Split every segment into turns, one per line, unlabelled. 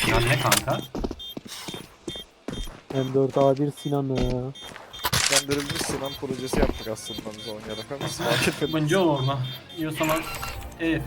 Sinan ne kanka?
M4A1 Sinan'ı.
Güçlendirilmiş Sinan projesi yaptık aslında biz Onya'da. Biz fark etmedik.
Yabancı olma. Yiyorsan EF.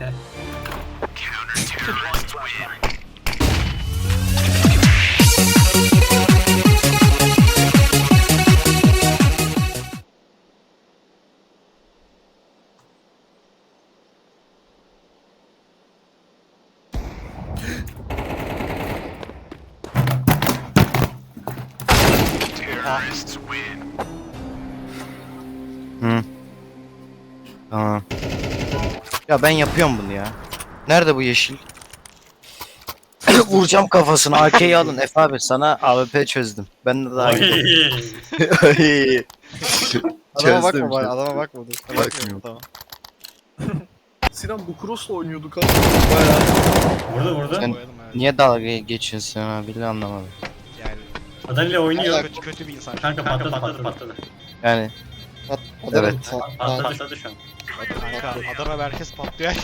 Hı. Tamam. Ya ben yapıyorum bunu ya. Nerede bu yeşil? Vuracağım kafasına. AK'yi alın. Efe abi sana AWP çözdüm. Ben de daha iyi. Ay.
Adama bakma
Çözdüm,
bari, adama bakma dur.
Bakmıyorum.
Tamam. Sinan bu cross'la oynuyorduk abi. Bayağı.
Burada.
Sen niye dalga geçiyorsun abi? Anlamadım.
Yani
Adayla oynuyor.
kötü bir insan.
Kanka patladı.
Yani
Adamın
Evet.
Patladı şu an.
Kanka Adana merkez patlıyor.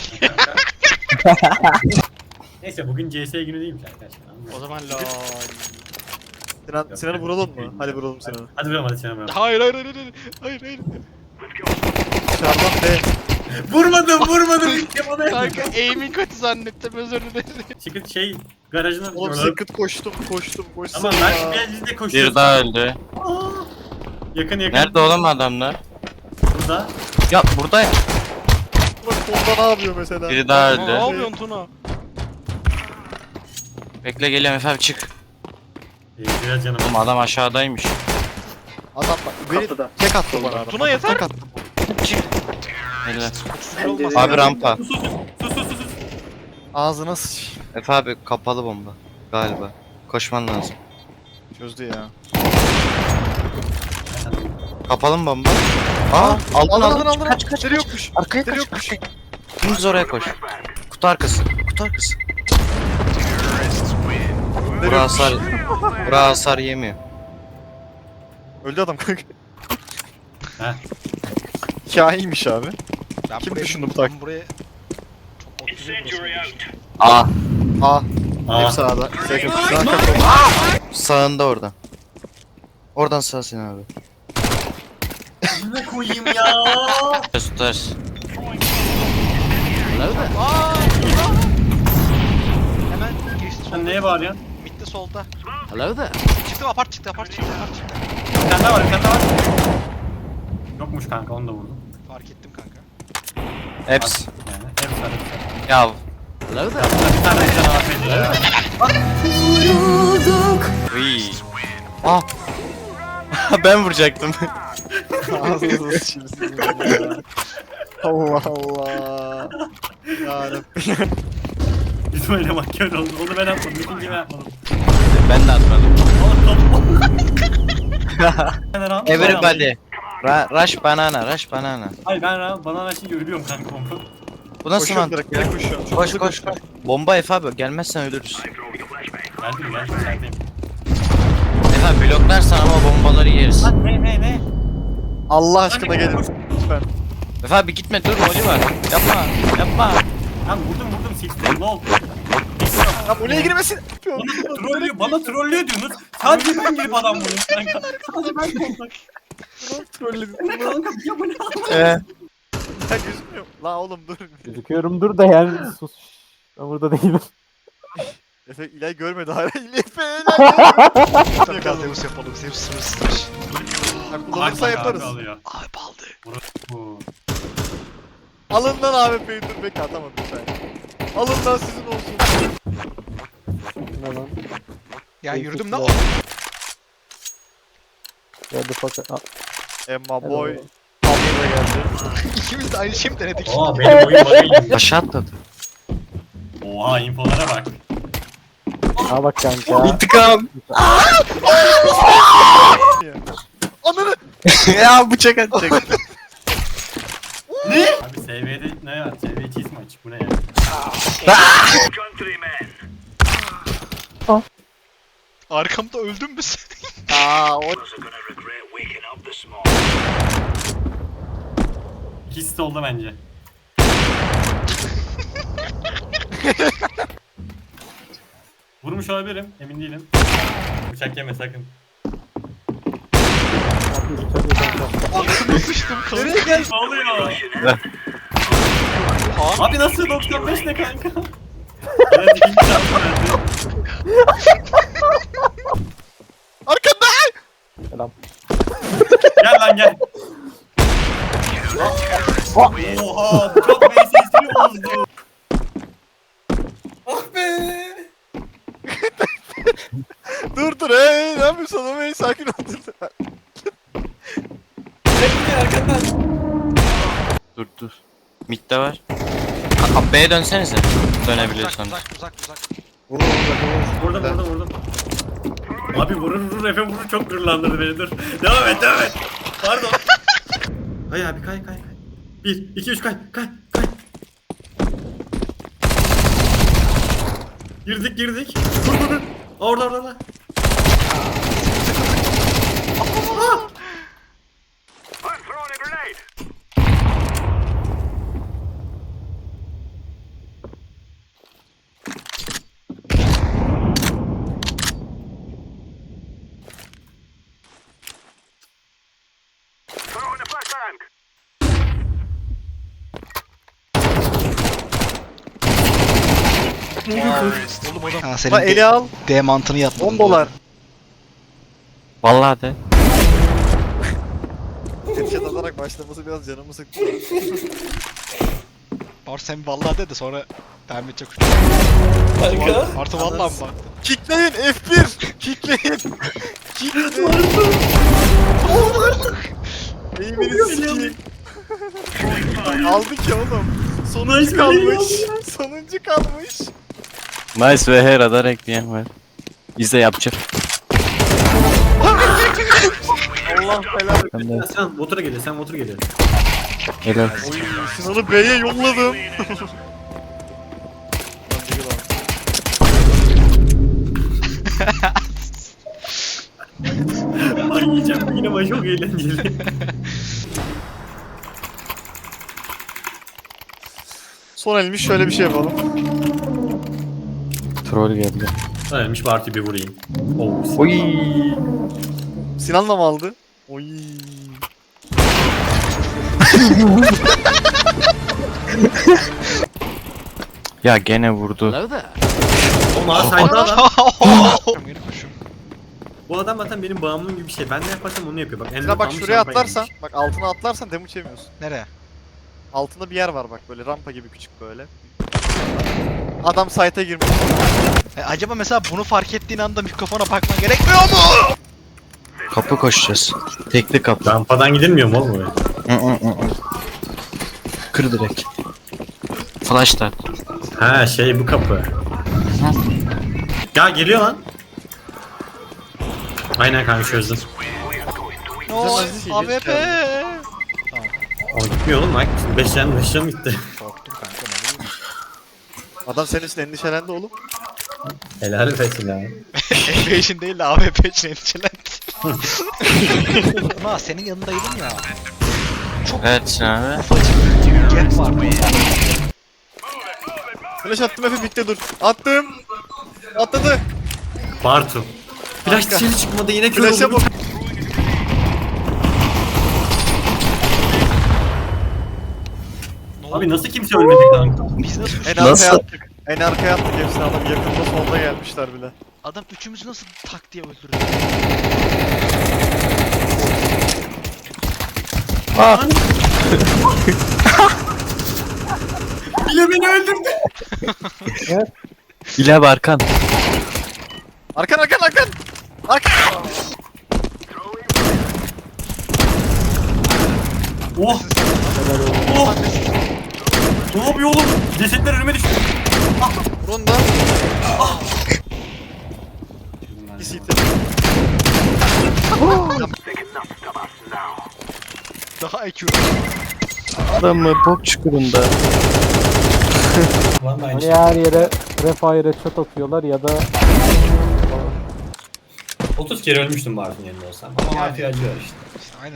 Neyse bugün CS günü değilmiş arkadaşlar.
O zaman lol.
Sinan'ı vuralım mı? Hadi vuralım Sinan'ı.
Hadi vuralım hadi Sinan vuralım.
Hayır hayır hayır hayır. Hayır hayır.
Dışarıdan B.
Vurmadım. Bana
Kanka aim'in kötü zannettim özür dilerim.
Çıkıp şey garajına
Oğlum secret koştum.
Ama ben biz de koşuyoruz.
bir daha öldü.
Yakın.
Nerede oğlum adamlar?
Burada.
Ya burada ya.
Bak solda ne yapıyor mesela?
Biri daha
Ne
öldü.
yapıyorsun Tuna?
Bekle geliyorum Efe abi çık.
Biraz canım.
Oğlum adam aşağıdaymış.
Adam bak beni tek attı bana adam.
Tuna yeter.
Tek attı.
Çık. Helal.
Küfür olmaz.
Abi rampa.
Sus.
Ağzına sıç.
Efe abi kapalı bomba. Galiba. Koşman lazım.
Çözdü ya.
Kapalı mı bomba? Aa aldın.
Kaç kaç. Nereye yokmuş?
Arkaya
Nereye
kaç.
yokmuş?
Dümdüz oraya koş. Kutu arkası. Kutu arkası. Bura hasar. Bura hasar yemiyor.
Öldü adam kanka.
Heh.
Hikayeymiş abi.
Ben
Kim
buraya-
düşündü bu taktiği?
Ben buraya çok otuzun burası.
Aa.
A.
Aa.
Hep sağda. Second. Sağ kapı.
Sağında oradan. Oradan sağ sen abi.
Ne koyayım ya?
Tutar.
Aaa! Hemen geçti
Sen
solda.
neye bağırıyorsun?
Midde solda.
Hello there.
Çıktı apart çıktı.
Bir tane daha var. Yokmuş kanka onu da vurdum.
Fark ettim kanka.
Hepsi.
Yani hepsi var.
Ya. Hello there.
Bir tane afiyet ya.
Uy. Ah. Ben vuracaktım.
Ağzınıza sıçayım sizin ya. Allah Allah. Yarabbim.
Bizim oynamak kötü oldu. Onu ben yapmadım. İkinci ben yapmadım.
Ben de atmadım.
Oğlum
Everybody. Rush banana, rush banana.
Hayır ben bana açınca ölüyorum kanka onu.
Bu nasıl
Koşuyorum
mantık
direkt.
ya?
Direkt koşuyorum. Çok
Koş
hızlı
koş
koşuyorum.
koş. Bomba Efe abi gelmezsen ölürüz.
Geldim içerideyim.
Efe abi bloklarsan ama bombaları yeriz.
Lan ne?
Allah aşkına gelin. Lütfen.
Efe abi gitme dur rolü var. Yapma.
Lan vurdum sildim ne oldu?
Ya buraya girmesin.
Bana trollüyor diyorsunuz. Sadece ben girip adam vuruyorum kanka. Sadece ben kontak.
Trolledim.
Kanka ya bu ne?
Ya gözükmüyor. La oğlum dur.
Gözüküyorumdur da yani sus. Ben burada değilim.
Efe İlay görmedi hala. Efe
Biraz Zeus yapalım. Zeus sırrısıdır.
kullanırsa yaparız.
Abi baldı.
Bu.
Alın lan AWP'yi dur bekle atamadım sen. Alın lan sizin olsun.
Ne lan?
Ya yürüdüm
Çok
lan.
güzel. Where the fuck?
Emma boy.
Hello.
Abla da geldi.
İkimiz de aynı şeyi mi denedik?
Aa benim oyun bakayım.
Aşağı atladı.
Oha infolara bak.
Ha bak kanka.
İntikam.
Ananı.
Ya bıçak atacak.
Abi SV'de ne var? SV cheese mi açık? Bu ne ya?
Arkamda öldün mü sen?
Aa o.
İkisi de oldu bence. Vurmuş vurmuş olabilirim. Emin değilim. Bıçak yeme sakın.
Altıma sıçtım kanka.
Nereye gel? Ne oluyor? Abi nasıl 95 ne kanka? Evet ikinci şansı verdi.
Arkanda!
Selam.
Gel lan gel. Oha çok VSS'li bozdu. Ah be.
Dur hey ne yapıyorsun oğlum hey sakin ol dur.
Gel arkandan.
Dur. Mid'de var. B'ye dönsenize. Dönebiliyorsanız.
Uzak.
Vurdum. Abi vurur Efe vurur çok gururlandırdı beni dur. Devam et. Pardon. Kay abi kay. 1, 2, 3 kay. Girdik. Dur. Orada.
Oğlum adam. Ha
Bak
senin
eli al.
D mantığını yapmadın.
10 dolar.
Vallahi de.
Headshot atarak başlaması biraz canımı sıktı.
Artı sen vallahi de sonra devam edecek.
Kanka.
Artı vallahi mı bak?
Kickleyin F1. Kickleyin. Eğimini sikeyim. Aldık ya oğlum. Sonuncu kalmış.
Nice ve her radar ekleyen var. İzle yapacak.
Allah belanı.
Ben de
Sen motora geliyor.
helal.
Oy, Sinan'ı B'ye yolladım.
Ay yiyeceğim yine ama çok eğlenceli.
Son elmiş şöyle bir şey yapalım.
Troll geldi.
Ölmüş parti bir vurayım. Oh,
Oy.
Sinan'la mı aldı? Oy.
Ya gene vurdu.
Ona sayda adam.
Yeni koşum.
Bu adam zaten benim bağımlım gibi bir şey. Ben ne yaparsam onu yapıyor. Bak
Sinan bak şuraya atlarsan, bak altına atlarsan damage yemiyorsun.
Nereye?
Altında bir yer var bak böyle rampa gibi küçük böyle. Adam site'a girmiş.
Acaba mesela bunu fark ettiğin anda mikrofona bakman gerekmiyor mu?
Kapı koşacağız. Tekli kapı.
Rampadan gidilmiyor mu oğlum oraya?
Kır direkt. Flash da.
Ha şey bu kapı. Ya geliyor lan. Aynen kanka çözdüm.
No,
Güzel,
AWP.
Ama gitmiyor oğlum bak. 5 can gitti.
Korktum kanka ne bileyim.
Adam senin için endişelendi oğlum.
Helal olsun ya.
Efe için değil de AWP için endişelendi. Ama senin yanındaydım ya.
Evet abi.
Ufacık gap var.
Flash attım Efe bitti dur. Attım. Atladı.
Bartu. Flash
Kanka.
dışarı çıkmadı yine kör
Flash'a
oldu.
bak.
Abi nasıl kimse ölmedi kanka?
Biz nasıl
En
Nasıl?
arkaya attık. En arkaya attık hepsini adam. Yakında solda gelmişler bile.
adam üçümüzü nasıl tak diye öldürdü?
Bile beni öldürdü.
İle Barkan.
Arkan. Arkan.
Oh. Oh. Ne yapıyor oğlum? Cesetler önüme düştü.
Ronda. Bir CT.
Daha IQ.
Adamı bok çukurunda.
Vallahi
Hani her yere refire shot atıyorlar ya da
30 kere ölmüştüm Bartu'nun yanında olsam. Ama Marfi acıyor işte.
İşte aynen.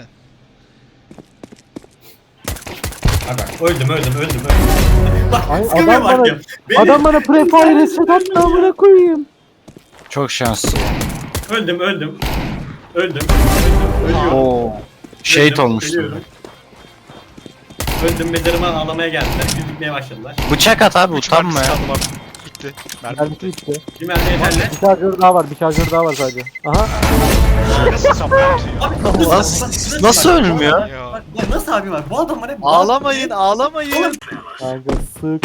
Bak öldüm. Bak
Ay,
sıkamıyorum
adam bana-
artık. Beni...
adam bana prefire shot attı amına koyayım.
Çok şanslı.
Öldüm. Ölüyorum.
Oo. Şehit
Öldüm,
olmuştum.
ölüyorum. Öldüm, mezarıma ağlamaya geldiler. Gülmeye başladılar.
Bıçak at abi,
Üç
utanma
mermisi
ya.
kaldı lan. Bitti. Mermi
Mermisi bitti.
Bir mermi yeterli.
Bir şarjör daha var. Bir şarjör daha var sadece. Aha.
nasıl saplanıyor?
Abi
Nasıl ölmüyor?
Ya.
Bak nasıl abi var? Bu adam var hep...
Ağlamayın, ağlamayın.
Kanka sık.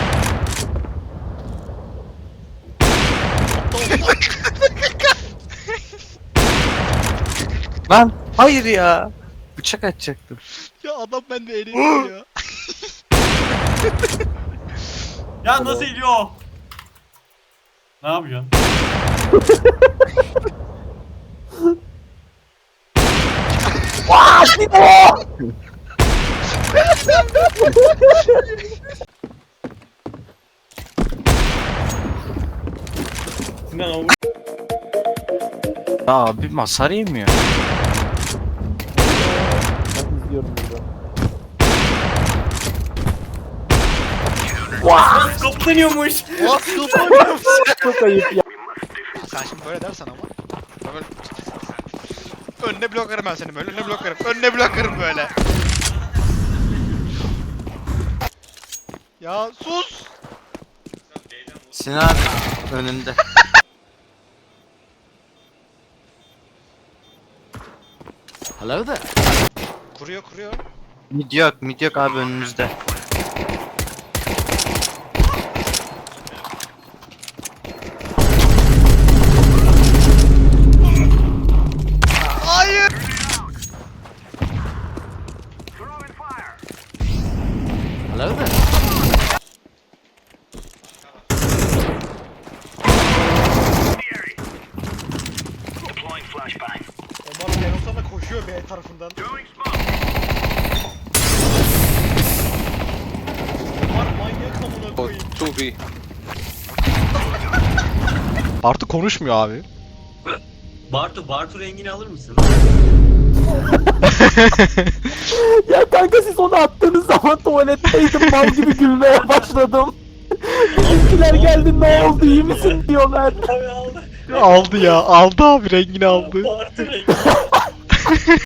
Lan hayır ya. Bıçak atacaktım.
Ya adam bende eğleniyor ya.
Ya nasıl iniyor? Ne yapıyorsun? Sinan o
Ya abi hasar yemiyor.
Ben izliyorum burada.
skop deniyormuş.
Çok ayıp ya.
Sen şimdi böyle dersen ama. Böyle... Önüne blokarım ben seni böyle. Önüne blokarım. Önüne blokarım böyle. Ya sus.
Sinan abi önünde. Hello there.
Kuruyor.
Mid yok abi önümüzde.
Hayır.
Hello there.
Omar Lenos'a da koşuyor B tarafından. Omar manyak amına koyayım.
2B.
Bartu konuşmuyor abi.
Bartu rengini alır mısın?
Ya kanka siz onu attığınız zaman tuvaletteydim. Mal gibi gülmeye başladım. Bizimkiler geldi, ne oldu iyi misin diyorlar.
Abi aldı.
Aldı ya. Aldı abi rengini aldı.
Bartu rengi.